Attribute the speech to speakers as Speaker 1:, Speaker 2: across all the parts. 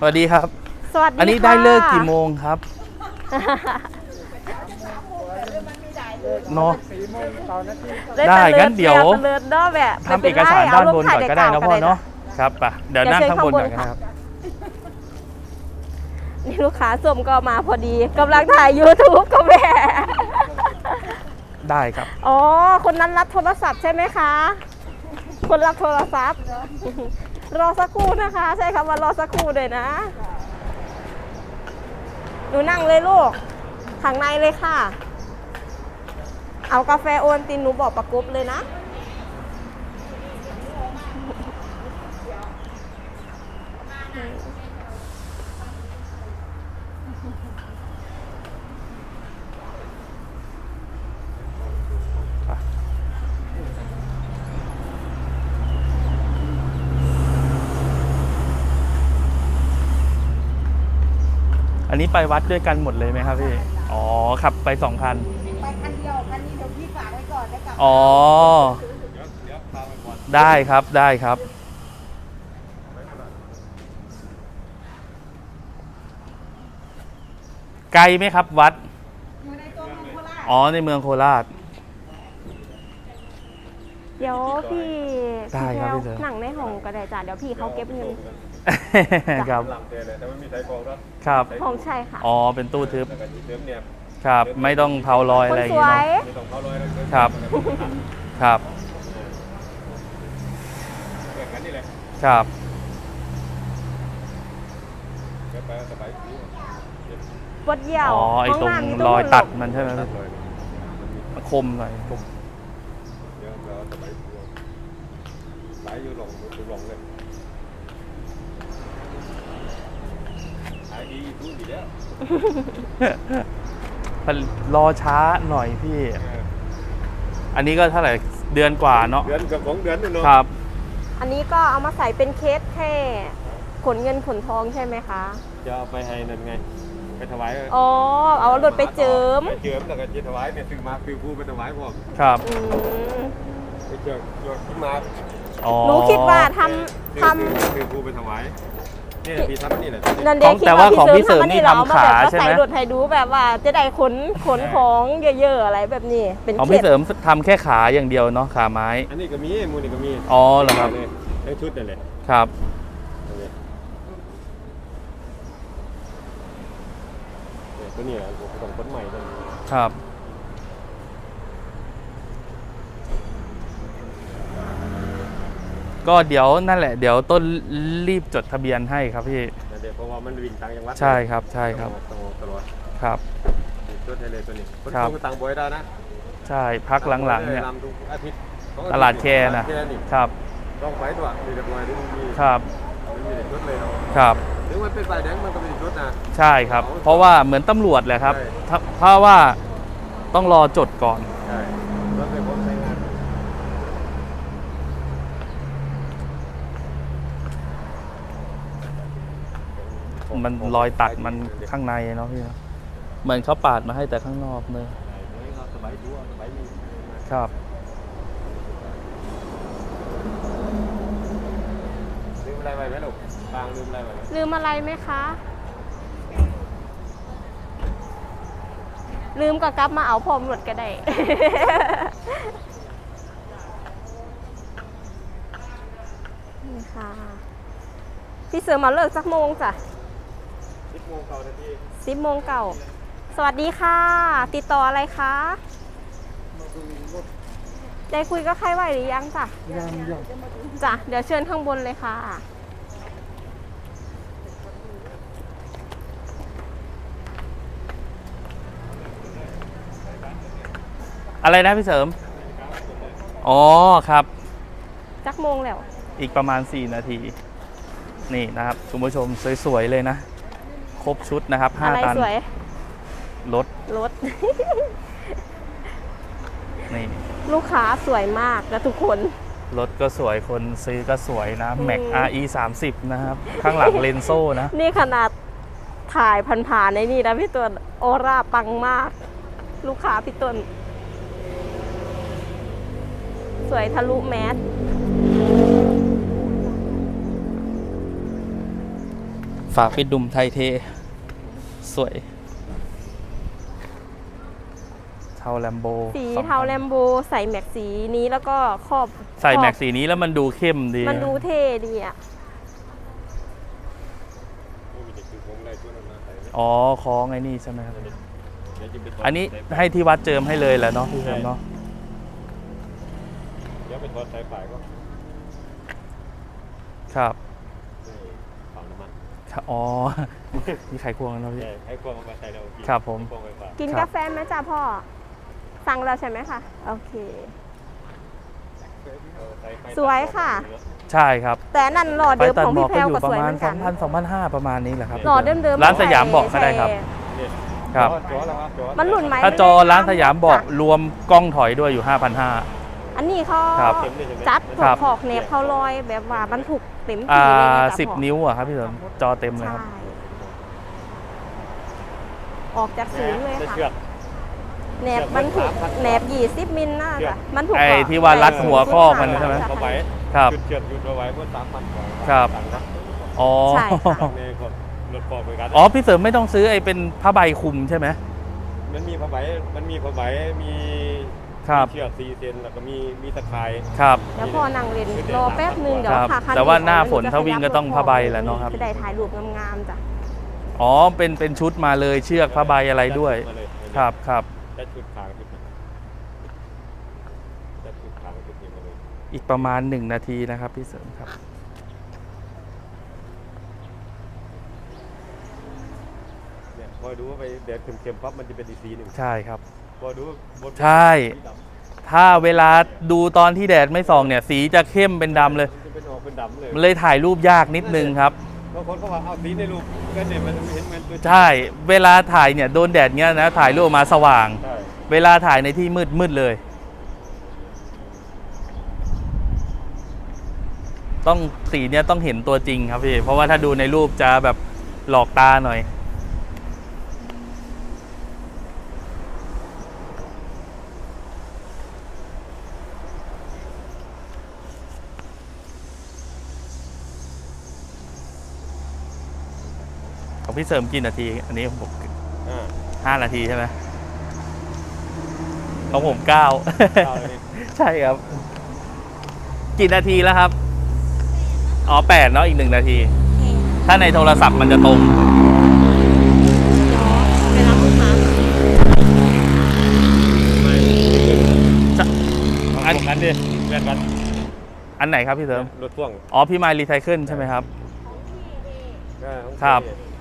Speaker 1: สวัสดีครับ
Speaker 2: สวัสดีค่ะ
Speaker 1: อันนี้ได้เลิกกี่โมงครับเนาะได้งั้นเดี๋ยวทำเอกสารด้านบนก่อนก็ได้นะพ่อเนาะครับป่ะเดี๋ยวนั่งข้างบนก่อนนะครับ
Speaker 2: นี่ลูกค้าส้มก็มาพอดีกำลังถ่าย YouTube ก็แม่
Speaker 1: ได้ครับ
Speaker 2: อ๋อคนนั้นรับโทรศัพท์ใช่ไหมคะคนรับโทรศัพท์รอสักครู่นะคะใช่คำว่ารอสักครู่เลยนะหนูนั่งเลยลูกข้างในเลยค่ะเอากาแฟโอนตินหนูบอกประกบเลยนะ
Speaker 1: อันนี้ไปวัดด้วยกันหมดเลยไหมครับพี่อ๋อขับไป2 คัน
Speaker 3: ไปคันเดียวคันนี้เดี๋ยวพี่ฝากไว้ก่อนแล้วกลับ
Speaker 1: อ๋อได้ครับได้ครับไกลไหมครับวัด
Speaker 3: อยู่ในตัวเมืองโคราช
Speaker 1: อ๋อในเมืองโคราช
Speaker 2: เดี๋ยวพี่
Speaker 1: ได้ครับพี่เสือ
Speaker 2: หนังในห้องก็ได้จ้ะเดี๋ยวพี่เขาเก็บเงิน
Speaker 1: ครับครับ
Speaker 2: ห้องใช่ค่ะ
Speaker 1: อ๋อเป็นตู้ทึบครับไม่ต้องเผาลอยอะไรอย่างเงี้ยครับครับครับ
Speaker 2: ปวดเยี่ยว
Speaker 1: อ๋อไอตรงรอยตัดมันใช่ไหมคมหน่อยรอช้าหน่อยพี่อันนี้ก็เท่าไหร่เดือนกว่าเนาะ
Speaker 4: เดือนกับ2 เดือนเนาะ
Speaker 1: ครับ
Speaker 2: อันนี้ก็เอามาใส่เป็นเคสแค่ขนเงินขนทองใช่ไหมคะ
Speaker 4: จะเอาไปให้นั่นไงไปถวาย
Speaker 2: อ๋อเอารถไปเจิม
Speaker 4: ไปเจิมแล้วก็จะถวายเนี่ยซื้อมาฟิวผู้ไปถวายพวก
Speaker 1: ครับ
Speaker 4: ไปเจิมยอดขึ้นมา
Speaker 2: หนูคิดว่าท
Speaker 4: ฟิวผู้ไปถวายนี่พี่ทำนี่แหละ
Speaker 1: แต่ว่าของพี่เสริมนี่ทำขาใช่ไหม
Speaker 2: ใส่รถให้ดูแบบว่าจะได้ขนของเยอะๆอะไรแบบนี้เป็น
Speaker 1: ของพี่เสริมทำแค่ขาอย่างเดียวเนาะขาไม้
Speaker 4: อันนี้ก็มีมูนี่ก็มี
Speaker 1: อ๋อเหรอครับ
Speaker 4: ทั้งชุดนั่นแหละ
Speaker 1: ครับ
Speaker 4: ตัวนี้ต้องคนใหม่ต้อง
Speaker 1: ครับก็เดี๋ยวนั่นแหละเดี๋ยวต้นรีบจดทะเบียนให้ครับพี่
Speaker 4: เดี๋ยวเพราะว่ามันวิ่งต่างจังหวัด
Speaker 1: ใช่ครับใช่ครับ
Speaker 4: ตลอด
Speaker 1: ครับ
Speaker 4: จดให้เลยตัวนี้คนต้องต่างบ่อยได้นะ
Speaker 1: ใช่พักหลังๆเนี่ยตลาดแคนะครับ
Speaker 4: ต้องไปตัวมีแต่บ่อยที่มันมี
Speaker 1: ครับ
Speaker 4: มันมีแต่จดเลยเนาะ
Speaker 1: ครับ
Speaker 4: ถึงมันเป็นฝ่ายแดงมันก็มีจดนะ
Speaker 1: ใช่ครับเพราะว่าเหมือนตำรวจแหละครับเพราะว่าต้องรอจดก่อน
Speaker 4: ใช่รถไปพบใช้งาน
Speaker 1: มันรอยตัดมันข้างในเนาะพี่เหมือนเขาปาดมาให้แต่ข้างนอกเลยครับ
Speaker 4: ลืมอะไรไปไหมลูกบางลืมอะไรไป
Speaker 2: ลืมอะไรไหมคะลืมก็กลับมาเอาพร้อมรถก็ได้นี่ค่ะพี่เสือมาเลิกสักโมงจ้ะ
Speaker 4: 10 โมงเก่านาที
Speaker 2: 10 โมงเก่าสวัสดีค่ะติดต่ออะไรคะได้คุยก็ใครไหวหรือยังจ้ะยังจ้ะเดี๋ยวเชิญข้างบนเลยค่ะ
Speaker 1: อะไรนะพี่เสริมอ๋อครับ
Speaker 2: จักโมงแล้ว
Speaker 1: อีกประมาณ4 นาทีนี่นะครับคุณผู้ชมสวยๆเลยนะครบชุดนะครับ5 ตันรถนี่
Speaker 2: ลูกค้าสวยมากนะทุกคน
Speaker 1: รถก็สวยคนซื้อก็สวยนะแม็ก RE 30นะครับข้างหลังเลนโซ่นะ
Speaker 2: นี่ขนาดถ่ายผ่านๆในนี่นะพี่ต้นออร่าปังมากลูกค้าพี่ต้นสวยทะลุแมส ส
Speaker 1: ฝาปิดดุมไทยเท สวย เทาแลมโบ
Speaker 2: สีเทาแลมโบใส่แม็กสีนี้แล้วก็ครอบ
Speaker 1: ใส่แม็กสีนี้แล้วมันดูเข้มดี
Speaker 2: มันดูเท่ดีอ่ะ
Speaker 1: อ๋อคล้องไอ้นี่ใช่ไหมครับ อันนี้ให้ที่วัดเจิมให้เลยแหละเนาะพี่เจิมเนาะ
Speaker 4: เดี๋ยวไปทอดสายฝ่ายก็
Speaker 1: ครับ
Speaker 4: ฝังน้ำมัน
Speaker 1: อ๋อ มีไขควงแล้วพี่
Speaker 4: ใช่ให้กล้องเอามาใส่เรา
Speaker 1: ครับผม
Speaker 4: กล้องไฟฟ้า
Speaker 2: กิน
Speaker 1: ครับ
Speaker 2: กาแฟไหมจ้าพ่อ สั่งแล้วใช่ไหมคะ โอเค สวยค่ะ
Speaker 1: ใช่ครับ
Speaker 2: แต่นั่นหล่อ
Speaker 1: ไป
Speaker 2: เดิม
Speaker 1: ตัด
Speaker 2: ของ
Speaker 1: หมอ
Speaker 2: พี่
Speaker 1: ก
Speaker 2: แพร
Speaker 1: ก็
Speaker 2: ว
Speaker 1: อยู่
Speaker 2: ก็
Speaker 1: ป
Speaker 2: สวย
Speaker 1: ระ
Speaker 2: เห
Speaker 1: มา
Speaker 2: มื
Speaker 1: ณ
Speaker 2: อนกัน
Speaker 1: 2,000 ประมาณนี้แหละครับ
Speaker 2: หล่อเดิมๆ
Speaker 1: ร้านสยามบอกก็ได้ครับ
Speaker 4: เนี่ย
Speaker 1: ครับ
Speaker 4: จอแล้วครับจอ
Speaker 2: มันหลุ่นไหม
Speaker 1: ถ้าจอร้านสยามบอกรวมกล้องถอยด้วยอยู่ 5,500
Speaker 2: อันนี้เขา
Speaker 1: ครับ
Speaker 2: จัด
Speaker 1: ครับ
Speaker 2: ขอกเนบเขาลอยแบบว่าบรรทุกเต็มที่เลยนะจ๊ะพ่อ
Speaker 1: 10 นิ้วอะครับพี่เสริมจอเต็มเลยครับ
Speaker 2: ใช่ออกจากศูนย์เลย
Speaker 4: ได้
Speaker 2: ค่ะ
Speaker 4: เชือก
Speaker 2: แหนบบรรทุกแหนบ20 มิลน่าจะบรรทุก
Speaker 1: ไอ้ที่ว่ารัดหัวคอกมันใช่ไหม
Speaker 4: เขาไว้
Speaker 1: ครับ
Speaker 4: เชือกหยุดเอาไว้เพื่อ3,000 กว่า
Speaker 1: ครับ
Speaker 4: ต่างนะ
Speaker 1: อ๋อ
Speaker 2: ใช่ค่ะ
Speaker 4: ในคนรถปอกเหมือนกัน
Speaker 1: อ๋อพี่เสริมไม่ต้องซื้อไอ้เป็นผ้าใบคลุมใช่ไหม
Speaker 4: มันมีผ้าใบมี
Speaker 1: ครับ
Speaker 4: เชือก4 เซนแล้วก็มีตะข่าย
Speaker 1: ครับ
Speaker 2: แล้วพอนั่งเล่นรอแป๊บนึงเดี๋ยว
Speaker 1: ครับ
Speaker 2: ค่ะคัน
Speaker 1: แต่ว่าหน้า
Speaker 2: อีก
Speaker 1: ฝนถ้าวิ่งก็ต้องผ้าใบแหละเนาะครับ
Speaker 2: จะได้ถ่ายรูปงามๆจ้ะ
Speaker 1: อ๋อเป็นชุดมาเลยเชือกผ้าใบอะไรด้วย
Speaker 4: มาเลย
Speaker 1: ครับครับ
Speaker 4: ได้ชุดขางชุดนี้ได้ชุดขางชุดนี้มาเลย
Speaker 1: อีกประมาณ1 นาทีนะครับพี่เสริมครับ
Speaker 4: เนี่ยพอดูว่าไปแดดเค็มๆปั๊บมันจะเป็นอีกสีหนึ่ง
Speaker 1: ใช่ครับ
Speaker 4: พอดูบน
Speaker 1: ใช่ ถ้าเวลาดูตอนที่แดดไม่ส่องเนี่ยสีจะเข้มเป็นดำเลย
Speaker 4: มันจะเป็นออกเป็นดำเลย
Speaker 1: มันเลยถ่ายรูปยากนิดนึงครับ
Speaker 4: บางคนเขาว่าเอาสีในรูปก็เนี่ยมันเห็นมันตัว
Speaker 1: ใช่ เวลาถ่ายเนี่ยโดนแดดเงี้ยนะถ่ายรูปออกมาสว่าง
Speaker 4: ใช่
Speaker 1: เวลาถ่ายในที่มืดเลย ต้องสีเนี่ยต้องเห็นตัวจริงครับพี่ เพราะว่าถ้าดูในรูปจะแบบหลอกตาหน่อย ของพี่เสริมกี่นาที อันนี้ผม 5 นาทีใช่ไหมของผม9
Speaker 4: เอาเลย
Speaker 1: ใช่ครับ กี่นาทีแล้วครับ อ๋อ8เนาะอีก1 นาที ถ้าในโทรศัพท์มันจะตรง
Speaker 2: ไปรับลูกค้า
Speaker 4: อันกันดิแบ่งกัน
Speaker 1: อันไหนครับพี่เสริม
Speaker 4: รถพ่วง
Speaker 1: อ๋อพี่มายรีไซเคิลใช่ไหมครับ
Speaker 4: ของ
Speaker 1: ครับ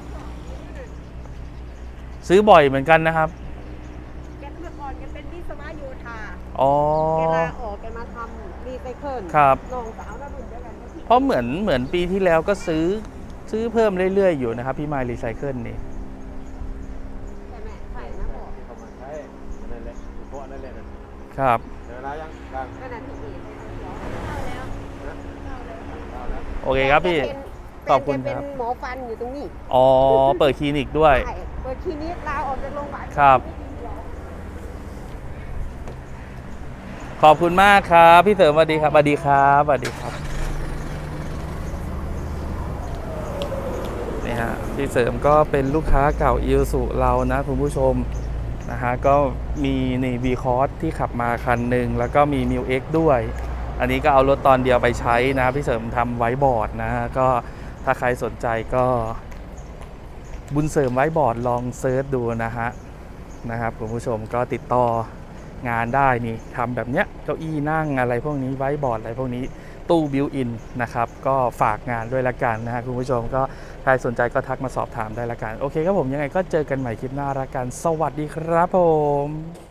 Speaker 1: ซื้อบ่อยเหมือนกันนะครับ
Speaker 3: แกเมื่อก่อนแกเป็นวิศวะโยธา
Speaker 1: อ๋อ
Speaker 3: แกลาออกแกมาทำรีไซเคิล
Speaker 1: ครับ
Speaker 3: น้องสาวน่ารุ่นเดียวกันก็ที่
Speaker 1: เพราะเหมือนปีที่แล้วก็ซื้อเพิ่มเรื่อยๆอยู่นะครับพี่มายรีไซเคิลนี่
Speaker 3: ใช่ไหมใช่นะบอก
Speaker 4: ที่เขามาใช้นั่นแหละเพราะนั่นแหละนั่น
Speaker 1: ครับ
Speaker 4: เดี๋ยวเรายังกลาง
Speaker 3: ก็นั่นที่เอกเข้าแล้ว
Speaker 4: เอาแล้ว
Speaker 1: โอเคครับพี่ ขอบคุณ
Speaker 3: แก
Speaker 1: ค
Speaker 3: เป็
Speaker 1: รับ
Speaker 3: นหมอฟันอยู่ตรงนี้
Speaker 1: อ๋อ เปิดคลินิกด้วย
Speaker 3: ใช่เปิดคลินิกลาออกจากโรงพยาบาล
Speaker 1: ครับ ขอบคุณมากครับ พี่เสริมสวัสดีครับสวัสดีครับสวัสดีครับนี่ฮะพี่เสริมก็เป็นลูกค้าเก่าอิลสุเรานะคุณผู้ชมนะฮะก็มีนี่วีคอร์สที่ขับมาคันหนึ่งแล้วก็มีมิวเอ็กด้วย อันนี้ก็เอารถตอนเดียวไปใช้นะพี่เสริมทำไว้บอร์ดนะก็ถ้าใครสนใจก็บุญเสริมไว้บอร์ดลองเซิร์ชดูนะครับคุณผู้ชมก็ติดต่องานได้นี่ทำแบบเนี้ยเก้าอี้นั่งอะไรพวกนี้ไว้บอร์ดอะไรพวกนี้ตู้บิวอินนะครับก็ฝากงานด้วยละกันนะฮะคุณผู้ชมก็ใครสนใจก็ทักมาสอบถามได้ละกันโอเคครับผมยังไงก็เจอกันใหม่คลิปหน้าละกันสวัสดีครับผม